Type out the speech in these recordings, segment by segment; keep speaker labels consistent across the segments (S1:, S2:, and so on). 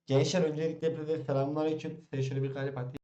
S1: Gençler öncelikle hepinize selamünaleyküm. Size şöyle bir kalp atayım.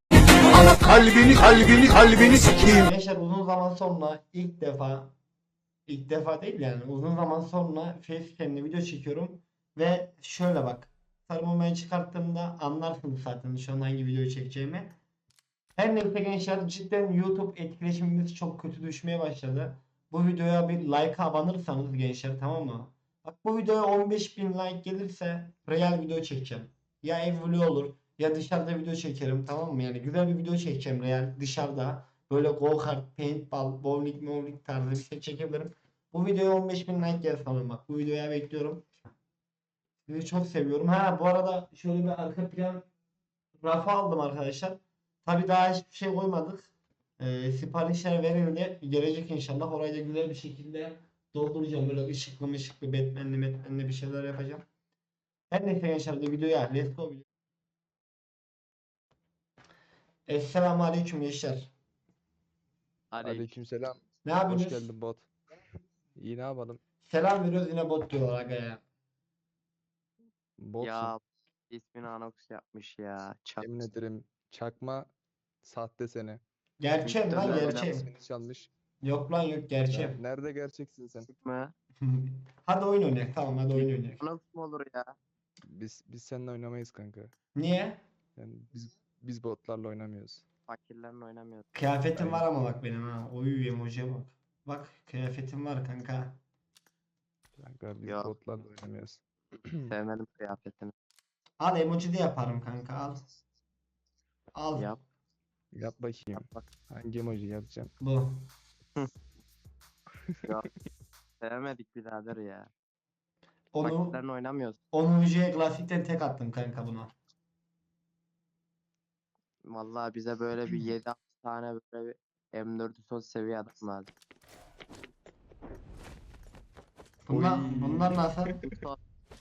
S2: Kalbini sikeyim.
S1: Gençler uzun zaman sonra ilk defa değil yani uzun zaman sonra facecam'le video çekiyorum. Ve şöyle bak. Sarımı çıkarttığımda anlarsınız zaten şu an hangi videoyu çekeceğimi. Her neyse gençler cidden YouTube etkileşimimiz çok kötü düşmeye başladı. Bu videoya bir like abanırsanız gençler, tamam mı? Bak, bu videoya 15.000 like gelirse real video çekeceğim. Ya ev vlogu olur ya dışarıda video çekerim, tamam mı? Yani güzel bir video çekeceğim real dışarıda. Böyle go kart, paintball, bowling tarzı bir şey çekebilirim. Bu videoya 15.000 like gelsin ama bak, bu videoya bekliyorum. Sizi çok seviyorum. Ha, bu arada şöyle bir arka plan rafa aldım arkadaşlar. Tabii daha hiçbir şey koymadık. Siparişler verildi. Gelecek inşallah. Orayı da güzel bir şekilde dolduracağım. Böyle ışıklı Batman'li bir şeyler yapacağım. Her neyse gençler, de videoya let's go video. Esselamu Aleyküm gençler.
S3: Aleyküm.
S2: Aleykümselam.
S1: Ne
S2: Hoş
S1: yapıyorsunuz?
S2: geldin bot. İyi ne yapalım?
S1: Selam veriyoruz, yine bot diyorlar aga ya.
S2: Botsun.
S3: Ya ismini Anox yapmış ya.
S2: Yemin ederim çakma sahte seni.
S1: Gerçeğim lan,
S3: Muhtemelen
S1: gerçeğim.
S2: İsmini çalmış.
S1: Yok lan, yok, gerçeğim.
S2: Nerede gerçeksin sen?
S3: mı?
S1: Hadi oyun oynayak, tamam, hadi oyun oynayak.
S3: Anox mu olur ya?
S2: Biz seninle oynamayız kanka.
S1: Niye?
S2: Yani biz botlarla oynamıyoruz.
S3: Fakirlerle oynamıyoruz.
S1: Kıyafetim var
S2: Aynen.
S1: ama bak benim ha. Oy, emojiye bak. Bak, kıyafetim var kanka.
S2: Kanka biz
S3: Yok.
S2: botlarla oynamıyoruz.
S3: Sevmedim kıyafetini.
S1: Al, emoji de yaparım kanka, al. Al.
S3: Yap.
S2: Yap bakayım.
S3: Bak.
S2: Hangi emoji yazacağım?
S1: Bu.
S3: Yok. Sevmedik birader ya.
S1: Onu
S3: Fakirlerle oynamıyoruz.
S1: 10. klasikten tek attım kanka buna.
S3: Vallahi bize böyle bir 7 tane böyle bir M4'ü son seviye adam lazım.
S1: Bunlar nasıl?
S3: Son-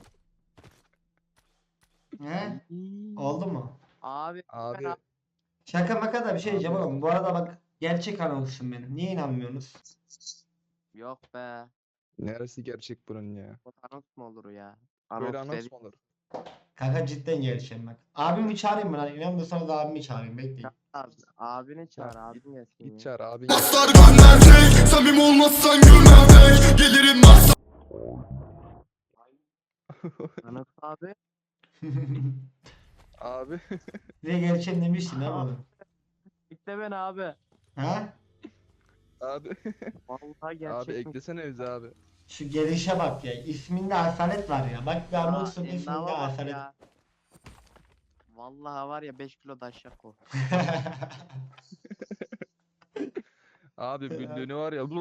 S1: He? Oldu mu?
S3: Abi,
S2: Abi
S3: ben
S1: Şaka maka da bir şey diyeceğim
S2: Abi.
S1: oğlum. Bu arada bak, gerçek anonsun benim. Niye inanmıyorsunuz?
S3: yok be.
S2: neresi gerçek bunun ya?
S3: Bu Anox mu olur ya?
S2: Böyle
S3: Anox
S2: anons
S3: dedi.
S2: mu olur?
S1: Kanka cidden gerçeğim bak. Abimi çağırayım mı lan? İnanmıyorsanız abimi çağırayım, bekleyin.
S3: Abi, abini çağır,
S2: Çağır,
S3: abin gelsin
S2: Git
S3: ya.
S2: çağır abin.
S4: Aslar gönderdik, samim olmazsan gülmemek. Gelirim maksat.
S3: Anox abi.
S2: Abi.
S1: Size gerçeğim demiştim değil mi oğlum?
S3: İşte ben abi.
S1: Ha?
S2: Abi.
S3: Vallahi gerçek
S2: Abi eklesene bizi abi.
S1: Şu gelişe bak ya. İsminde asalet var ya. Bak, bir anonsun isminde
S3: endama bak
S1: asalet.
S3: ya. Vallahi var ya 5 kilo daşyak o.
S2: Abi büllüğünü var ya.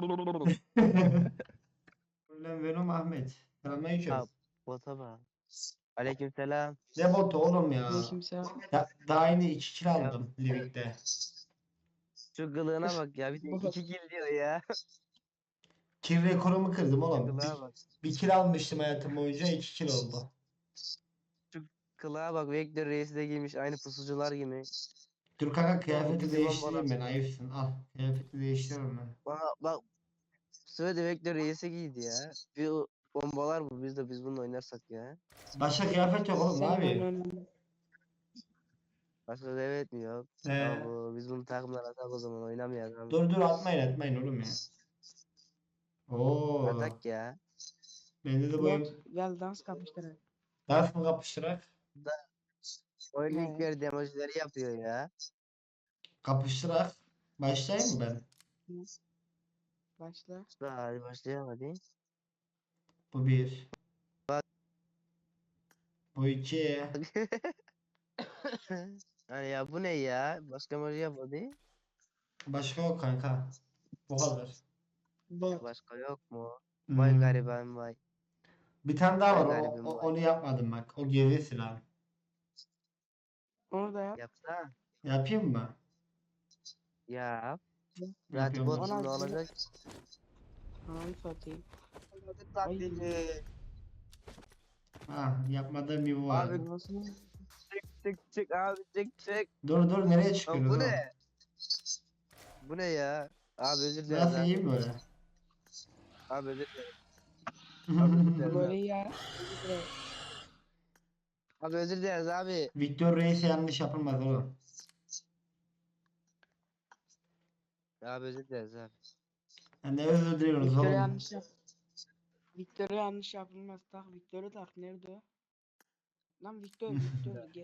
S1: Ulan Venom Ahmet. Selamünaleyküm.
S5: Ha, bota bak. Aleykümselam.
S1: Ne botu oğlum ya?
S6: Aleykümselam.
S1: Daha yeni 2 kill aldım Livik'te.
S5: Şu kılığına bak ya. Bir de 2 kill diyor ya.
S1: Kill rekorumu kırdım
S5: Şu
S1: oğlum.
S5: kılığa bak.
S1: Bir kill almıştım hayatım boyunca, 2 kill oldu.
S5: Kılığa bak. Vektör Reis de giymiş. Aynı pusucular gibi.
S1: Dur kanka, kıyafeti
S5: bizi
S1: değiştireyim ben,
S5: bombalasın.
S1: ayıpsın. Al, kıyafeti değiştiriyorum ben.
S5: Bak. Söyle Vektör Reis'e giydi ya. Bir bombalar bu. Biz bununla oynarsak ya.
S1: Başka kıyafet yok oğlum, ne yapayım?
S5: Başka da evet mi yok?
S1: He.
S5: Bu biz bunu takımdan atak o zaman oynamayalım.
S1: Dur atmayın oğlum ya. Oo.
S5: Atak ya.
S1: Bende de bu
S6: Bot gel dans kapıştırın.
S1: dans mı kapıştırak?
S5: Oyun
S6: He.
S5: ilk verdiği emojileri yapıyor ya.
S1: Kapıştırak. Başlayayım mı ben?
S6: Başla.
S5: Hadi başlayalım hadi.
S1: Bu bir.
S5: Bak.
S1: Bu iki.
S5: Hani ya bu ne ya? Başka emoji yap hadi.
S1: Başka yok kanka. Bu kadar.
S6: Bot.
S5: Başka yok mu? Vay
S1: Hmm.
S5: gariban vay.
S1: Bir tane daha
S5: Vay
S1: var.
S5: garibim vay.
S1: Onu yapmadım bak. O geri silah.
S6: Onu da yap.
S5: Yapsana.
S1: Yapayım mı?
S5: Yap. Zaten
S1: Yapıyorum.
S5: bot
S6: Ona
S5: şimdi
S6: güzel.
S5: olacak.
S6: Ananı satayım.
S5: Taklidi.
S1: Yapmadığım bir bu var.
S5: Abi
S6: Nasıl?
S5: çık abi çık.
S1: Dur, nereye
S5: Lan
S1: çıkıyoruz
S5: bu
S1: oğlum?
S5: ne? Bu ne ya? Abi özür dilerim.
S1: Burası
S5: lan.
S1: iyi mi böyle?
S5: Abi özür dilerim. Abi özür dilerim.
S6: Böyle ya.
S5: Abi özür dileriz abi.
S1: Victor Reis'e yanlış yapılmaz oğlum.
S5: Abi özür dileriz abi.
S1: Ne özür diliyoruz
S6: Victor'a
S1: oğlum.
S6: yanlış yap. Victor'a yanlış yapılmaz. Tak Victor'u tak. Nerede o? Lan Victor gel.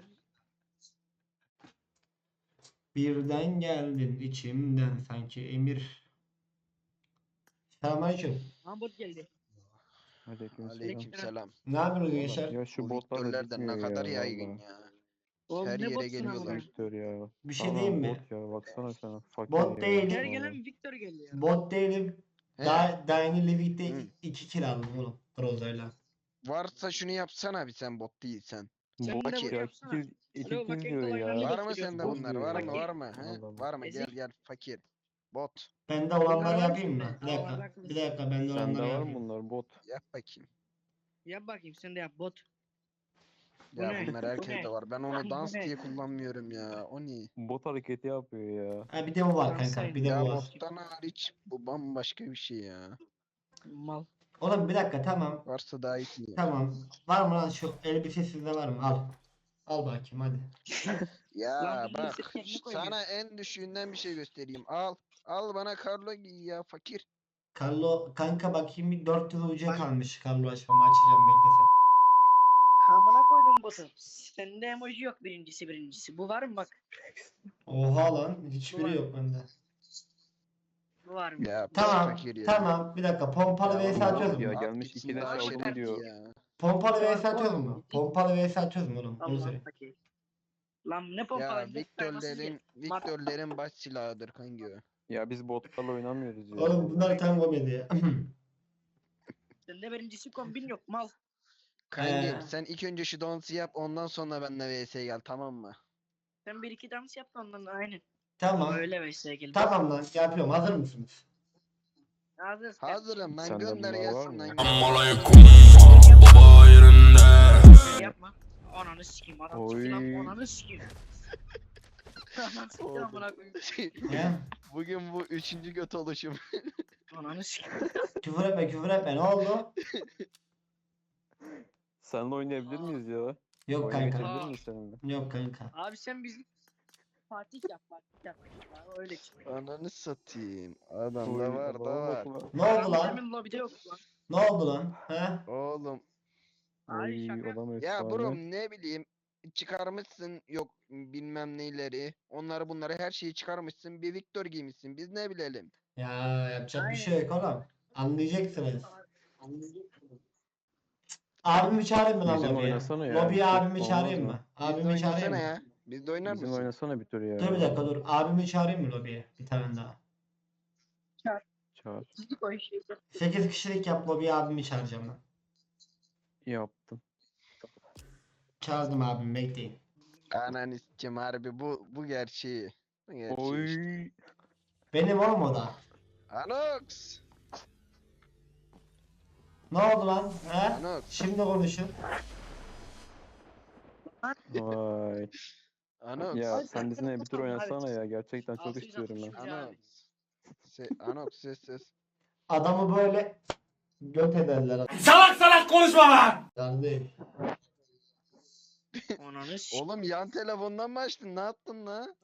S1: Birden geldin içimden sanki emir. Selamünaleyküm.
S6: Mahmut geldi.
S2: Aleykümselam.
S3: Aleykümselam.
S1: Ne yapıyorsunuz
S2: Oğlum,
S1: gençler?
S2: ya şu
S3: Bu
S2: botlar da
S3: Victor'lerden ne
S2: bitmiyor
S3: kadar
S2: ya
S3: yaygın
S2: valla.
S3: ya.
S6: Oğlum
S3: Her
S6: ne
S3: yere
S6: botsun
S3: geliyorlar.
S6: amına?
S2: Victor ya.
S1: Bir şey
S2: Tamam,
S1: diyeyim mi?
S2: bot ya baksana sen. Fakir
S1: Bot
S2: ya,
S1: değilim.
S6: Her
S2: vallahi.
S6: gelen Victor geliyor.
S1: Bot değilim.
S3: He.
S1: Daha yeni Livik'te
S3: Hı.
S1: 2 kill aldım oğlum. Groza'yla.
S3: Varsa şunu yapsana bir sen bot değilsen.
S6: Sen
S2: Bot
S6: de
S3: Fakir.
S6: bunu
S2: ya
S6: yapsana.
S2: iki
S6: Alo,
S2: kill
S6: bakayım
S2: diyor
S6: kolay
S2: ya.
S6: nerede
S3: Var mı
S6: gösteriyor?
S3: sende
S2: Bot
S3: bunlar?
S2: diyor
S3: Var
S2: ya.
S3: mı? Var mı? He?
S2: Allah Allah.
S3: Var mı? Gel
S6: Ezik.
S3: gel fakir. Bot.
S1: Bende
S6: Bunlar
S1: olanları
S6: var
S1: yapayım
S6: sende.
S1: mı? Bir
S6: Aa,
S1: dakika.
S6: bak.
S1: Bir dakika bende
S2: Sende
S1: olanları
S2: var mı
S1: yapayım.
S2: bunlar bot?
S3: Yap bakayım.
S6: Yap bakayım sen de yap bot. Bu
S3: Ya
S6: ne?
S3: bunlar
S6: Bu
S3: herkeste
S6: ne?
S3: var. Ben onu
S6: Bu
S3: dans
S6: ne?
S3: diye kullanmıyorum ya. O ne?
S2: Bot hareketi yapıyor ya.
S1: Ha bir de bu var
S6: Dans
S1: kanka. Bir de
S3: Ya
S1: bu var.
S3: bottan hariç bu bambaşka bir şey ya.
S6: Mal.
S1: Oğlum bir dakika tamam.
S3: Varsa daha iyi mi?
S1: Tamam. Var mı lan şu elbise sizde var mı? Al. Al bakayım hadi.
S3: Ya
S6: Lan bunu
S3: bak
S6: sırf kendine koyuyor.
S3: sana en düşüğünden bir şey göstereyim. Al. Al bana Carlo giy ya fakir.
S1: Carlo kanka bakayım bir 400 UC
S6: Bak.
S1: kalmış. Carlo açmamı açacağım beklesen.
S6: Amına koydum botu. Sende emoji yok birincisi. Bu var mı bak?
S1: Oha lan hiçbiri
S6: Ulan.
S1: yok bende.
S6: Bu var mı?
S3: Ya pis
S1: Tamam
S3: fakir ya.
S1: tamam bir dakika pompalı
S3: Ya
S1: vs
S3: oğlum,
S1: atıyoruz
S2: ya
S1: mu?
S3: at
S2: gelmiş
S3: gitsin
S2: iki de
S3: daha
S2: çaldım
S3: şerefli
S2: diyor.
S3: ya.
S1: Pompalı
S6: Tamam,
S1: vs atıyoruz mu? Pompalı vs atıyoruz mu oğlum? Onu
S6: Allah
S1: söyle.
S6: fakir. Lan ne
S3: Ya
S6: pompalayın?
S3: Victor'lerin baş silahıdır kanki o.
S2: Ya biz botlarla oynamıyoruz ya.
S1: Oğlum bunlar tam komedi ya.
S6: Sende birincisi kombin yok mal.
S3: Kanki
S1: Ee.
S3: sen ilk önce şu dansı yap ondan sonra benimle vs'ye gel tamam mı?
S6: Sen bir iki dans yap da ondan aynen.
S1: Tamam.
S6: Öyle veysel gel.
S1: Tamam lan yapıyorum. Hazır mısınız?
S6: Hazır.
S3: Hazırım lan
S2: Sende
S3: gönder
S2: bunlar var
S3: gelsin
S2: mı?
S3: lan.
S4: Aleyküm baba yerinde.
S6: Yapma. Ananı sikeyim adam çıktı lan
S2: Oy.
S6: ananı sikeyim. Ananı sikeyim amına koyayım.
S1: He?
S3: Bugün bu üçüncü göt oluşum.
S6: Ananı sikeyim.
S1: Küfür etme küfür etme. Ne oldu?
S2: Seninle oynayabilir miyiz ya?
S1: Yok
S2: Oyuna
S1: kanka.
S2: geçebilir miyiz seninle?
S1: Yok kanka.
S6: Abi sen bizim Fatih yap. Ya, öyle çık.
S3: Ananı satayım. Adam
S2: Oy,
S3: da var da
S2: adama
S3: var.
S2: bak lan.
S1: Ne oldu lan?
S6: Demin lobide yok lan.
S1: Ne oldu lan? He?
S3: Oğlum
S6: Abi
S2: Oy,
S6: şaka.
S2: adam
S3: ya
S2: efsane.
S3: bro ne bileyim çıkarmışsın yok bilmem neyleri. Onları bunları her şeyi çıkarmışsın. Bir Victor giymişsin. Biz ne bilelim.
S1: Ya yapacak bir şey yok oğlum. Anlayacaksınız. Abimi çağırayım mı lan
S2: Bizim
S1: lobiye?
S2: oynasana ya.
S1: Lobiye
S2: Çok
S1: abimi
S2: olmaz
S1: çağırayım
S2: mı?
S1: mı?
S3: Biz de
S1: Abimi çağırayım
S3: oynasana
S1: mı?
S3: ya. Biz de oynar
S2: Bizim
S3: mısın?
S2: oynasana bir tur ya.
S1: Dur bir dakika dur. Abimi çağırayım mı lobiye? Bir tane daha.
S2: Çağır.
S6: Çizik o işi.
S1: 8 kişilik yap lobiye abimi çağıracağım ben.
S2: Yaptım.
S1: Çağırdım abimi bekleyin.
S3: Ananı sikeyim harbi bu gerçeği. Bu gerçeği işte.
S2: Oy.
S1: Benim oğlum o da.
S3: Anox.
S1: Ne oldu lan? He?
S3: Anox.
S1: Şimdi konuşun.
S2: Vay.
S3: Anox.
S2: Ya sen bizimle bir tur oynasana ya. Gerçekten çok
S6: 660
S2: istiyorum ben.
S6: abi.
S3: Anox. Anox ses.
S1: Adamı böyle göt ederler.
S4: Salak salak konuşma lan.
S1: Kardeş.
S6: Ananı sikeyim.
S3: Oğlum yan telefondan mı açtın? Ne yaptın la?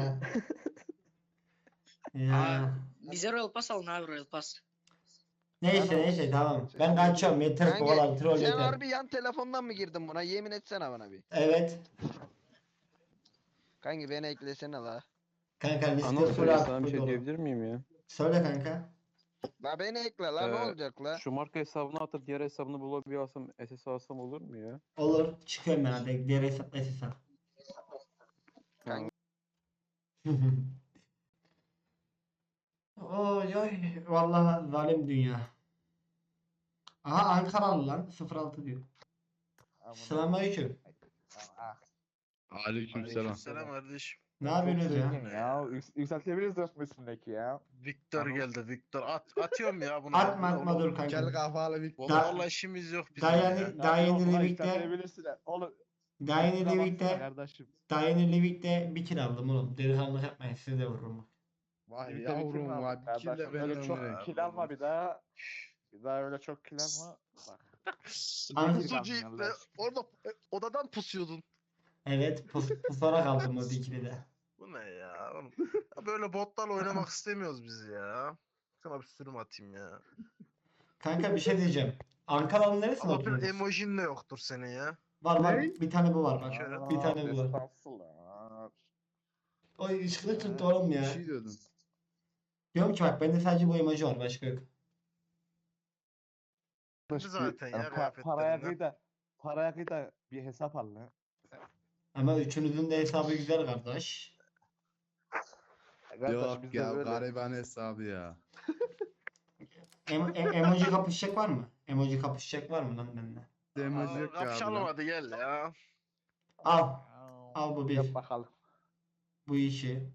S1: Ya.
S6: Bize Royal Pass alın abi Royal Pass.
S1: Neyse tamam. Ben kaçıyorum. Yeter bu
S3: Kanki,
S1: kadar troll
S3: sen
S1: yeter.
S3: harbi yan telefondan mı girdin buna? Yemin etsene bana bir.
S1: Evet.
S3: Kanki beni eklesene la.
S1: Kanka liste
S2: Anıl
S1: full
S2: söyle sana bir
S1: artık
S2: şey
S1: dolu.
S2: diyebilir miyim ya?
S1: Söyle kanka.
S3: La beni ekle la ne olacak la?
S2: Şu marka hesabını atıp diğer hesabını bulabiliyor alsam SS alsam olur mu ya?
S1: Olur. Çıkıyorum ben hadi. Diğer hesapla hesap.
S3: Kanka.
S1: Oy oy. Vallahi zalim dünya. Aha Ankaralı lan. 06 diyor. Selamünaleyküm.
S7: Aleykümselam.
S8: Selam kardeşim.
S1: Ne yapıyorsunuz ya?
S7: Ya yükseltebiliriz üstündeki ya.
S8: Victor geldi. Victor atıyorum ya bunu.
S1: Atma dur kanka.
S8: Gel kafalı Victor.
S1: Da-
S8: Vallahi işimiz yok bizim.
S1: Daha
S8: ya.
S1: yeni, daha yeni Livik'te,
S7: Oğlum.
S1: daha yeni Livik'te,
S7: Kardeşim.
S1: daha yeni Livik'te bir kill aldım oğlum. Delikanlılık yapmayın size de vururum.
S8: Vay
S7: Birlikte
S8: yavrum
S7: bitirme
S8: vay.
S7: abi
S8: Bir kille
S7: kardeşim.
S8: ben
S7: Öyle çok
S8: ömrüm.
S7: kill alma bir daha. Bir daha öyle çok kill alma. Bak.
S1: An-
S8: Pusucu iple orada odadan pusuyordun.
S1: Evet, pusarak aldım o dikili de.
S8: Bu ne ya oğlum? Ya böyle botlarla oynamak istemiyoruz biz ya. Sana bir sürüm atayım ya.
S1: Kanka bir şey diyeceğim. Ankara'nın neresinde
S8: Allah bir
S1: oturuyorsun?
S8: emojin de yoktur senin ya.
S1: Var
S7: Ne?
S1: bir tane bu var bak.
S8: kere.
S1: Bir tane bu var.
S7: Estağfurullah.
S1: O ışıklı tuttu oğlum
S9: Bir
S1: ya.
S9: şey diyordun.
S1: Diyorum ki bak bende sadece bu emoji var başka yok.
S8: Zaten ya
S7: Paraya
S8: kıyafetlerinden.
S7: kıyda bir hesap al lan.
S1: Ama üçünüzün de hesabı güzel kardeş.
S7: Kardeş,
S9: Yok
S7: bizde
S9: ya
S7: böyle.
S9: gariban hesabı ya.
S1: Emoji kapışacak var mı? Emoji kapışacak var mı lan benimle?
S9: Emoji yok ya abi
S8: Kapışalım
S9: lan.
S8: hadi gel ya.
S1: Al. Al bu bir.
S7: Yap bakalım.
S1: Bu işi.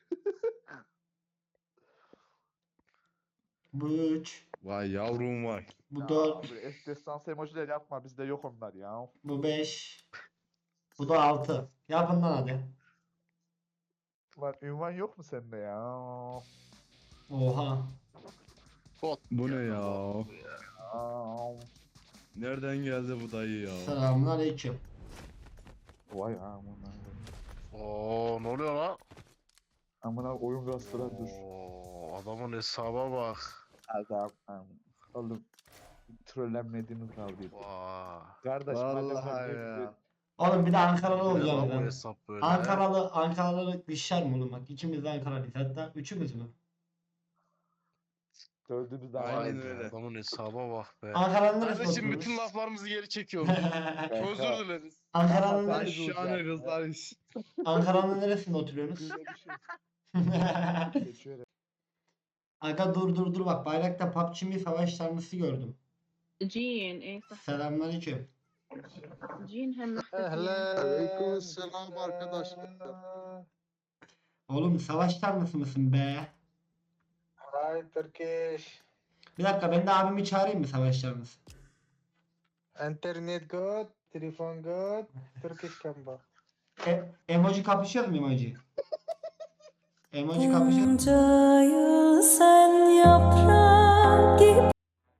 S1: Bu 3.
S9: Vay yavrum vay.
S1: Bu
S7: Ya,
S1: 4.
S7: böyle destansı emojiler yapma, bizde yok onlar ya.
S1: Bu 5. Bu da 6. Yapın lan hadi.
S7: Lan ünvan yok mu sende ya?
S1: Oha.
S8: Bot.
S9: Bu ne
S8: geldi,
S9: ya?
S8: bot bu ya.
S7: Aa,
S9: Nereden geldi bu dayı ya?
S1: Selamünaleyküm.
S7: vay amına.
S8: Oo ne oluyor lan?
S7: Amına oyun gastıra dur.
S8: Oo, adamın hesaba bak.
S7: Adam. Oğlum trollenmediğimiz kavga.
S8: Vay.
S7: Kardeş
S9: Vallahi ya.
S1: Oğlum bir de Ankaralı
S8: Ne
S1: olacağım
S8: lan bu
S1: ben.
S8: hesap böyle?
S1: Ankaralı düşer mi oğlum bak. İkimiz de Ankaralıyız. Hatta üçümüz mü?
S7: Dördümüz de
S9: Aynen
S8: Vay
S7: aynı.
S8: be,
S9: öyle.
S8: Adamın hesaba bak be.
S1: Ankara'nın neresinde
S8: Kardeşim
S1: oturuyorsunuz?
S8: bütün laflarımızı geri çekiyoruz. Özür dileriz.
S1: Ankara'nın
S7: Ama
S9: Lan
S7: sen-
S9: şahane kızlar iş.
S1: Ankara'nın neresinde oturuyorsunuz?
S7: Böyle bir şey. Geçiyor.
S1: Aga dur bak bayrakta PUBG mi savaş tanrısı gördüm.
S10: جين ايه صح
S1: Selamünaleyküm.
S10: جين هم
S2: Aleykümselam arkadaşlar.
S1: Oğlum savaş tanrısı mısın be?
S11: Hi Turkish.
S1: Bir dakika ben de abimi çağırayım mı savaş tanrısı?
S11: Internet good, telefon good, Turkish kamba.
S1: Emoji kapışıyor mu emoji? Emoji kapışıyor mu?
S10: sen yaprak gibi.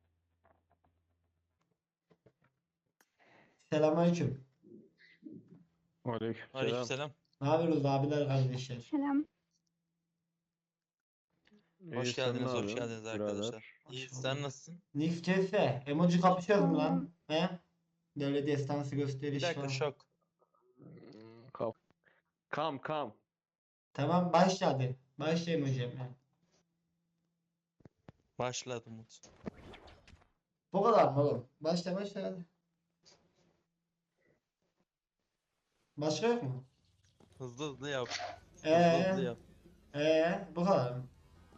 S1: Selamünaleyküm.
S12: Aleykümselam.
S1: Ne yapıyoruz abiler kardeşler?
S10: Selam.
S12: Hoş geldiniz, hoş geldiniz arkadaşlar. İyi, sen nasılsın?
S1: Nix CS. Emoji kapışıyor mu lan? He? Böyle destansı
S12: Bir
S1: gösteriş
S12: dakika,
S1: falan.
S12: şok.
S2: Kam.
S1: Tamam başla hadi. Başla emoji yapmaya.
S12: Başladı Umut.
S1: Bu kadar mı oğlum? Başla hadi. Başka yok mu?
S12: Hızlı yap.
S1: Ee?
S12: Hızlı yap.
S1: Bu kadar mı?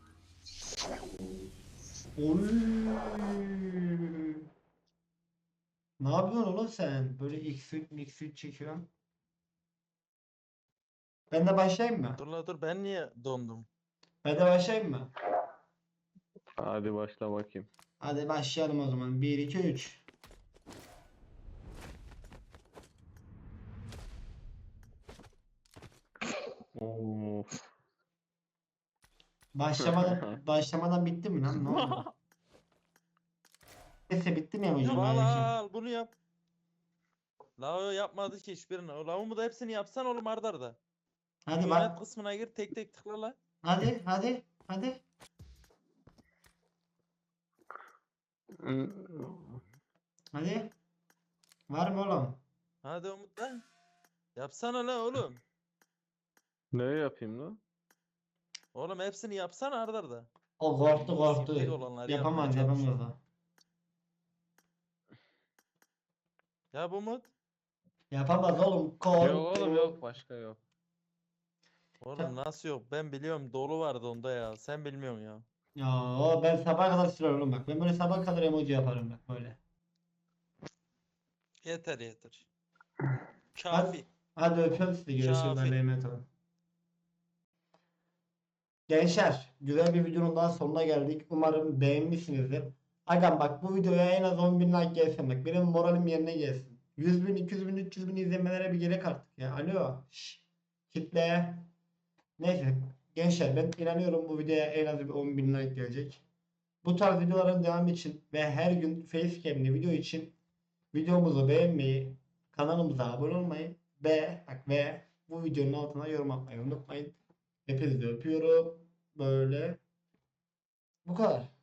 S1: Oy. Ne yapıyorsun oğlum sen? Böyle X-Suite çekiyorsun. Ben de başlayayım mı?
S12: Dur ben niye dondum?
S1: Ben de başlayayım mı?
S2: Hadi başla bakayım.
S1: Hadi başlayalım o zaman. 1, 2, 3.
S2: Of.
S1: Başlamadan bitti mi lan? Ne oldu? Neyse bitti mi emoji?
S12: Al bunu yap. La o yapmadı ki hiçbirini. O lavumu da hepsini yapsan oğlum arda arda.
S1: Hadi
S12: Yönet
S1: bak.
S12: kısmına gir tek tıkla la.
S1: Hadi. Hadi. Var mı oğlum?
S12: Hadi Umut lan. Yapsana la oğlum.
S2: Ne yapayım lan?
S12: Oğlum hepsini yapsana arda arda.
S1: O korktu.
S12: Tek olanları
S1: Yapamaz
S12: yapmaya çalış.
S1: o.
S12: Yap Umut.
S1: Yapamaz oğlum.
S2: Yok
S1: Korktu.
S2: oğlum yok başka yok.
S12: Oğlum nasıl yok? Ben biliyorum dolu vardı onda ya. Sen bilmiyorsun ya.
S1: Ya ben sabaha kadar sürer oğlum bak. Ben böyle sabaha kadar emoji yaparım bak böyle.
S12: Yeter. Kafi.
S1: Hadi öpüyorum sizi. Görüşürüz.
S12: Şafi.
S1: Allah'a emanet olun. Gençler, güzel bir videonun daha sonuna geldik. Umarım beğenmişsinizdir. Agam bak bu videoya en az 10.000 like gelsin bak. Benim moralim yerine gelsin. 100.000, 200.000, 300.000 izlemelere bir gerek artık ya. Alo. Şşş. Kitle. Neyse. Gençler ben inanıyorum bu videoya en az bir 10.000 like gelecek. Bu tarz videoların devamı için ve her gün facecam'li video için videomuzu beğenmeyi, kanalımıza abone olmayı ve bu videonun altına yorum atmayı unutmayın. Hepinizi öpüyorum. Böyle bu kadar.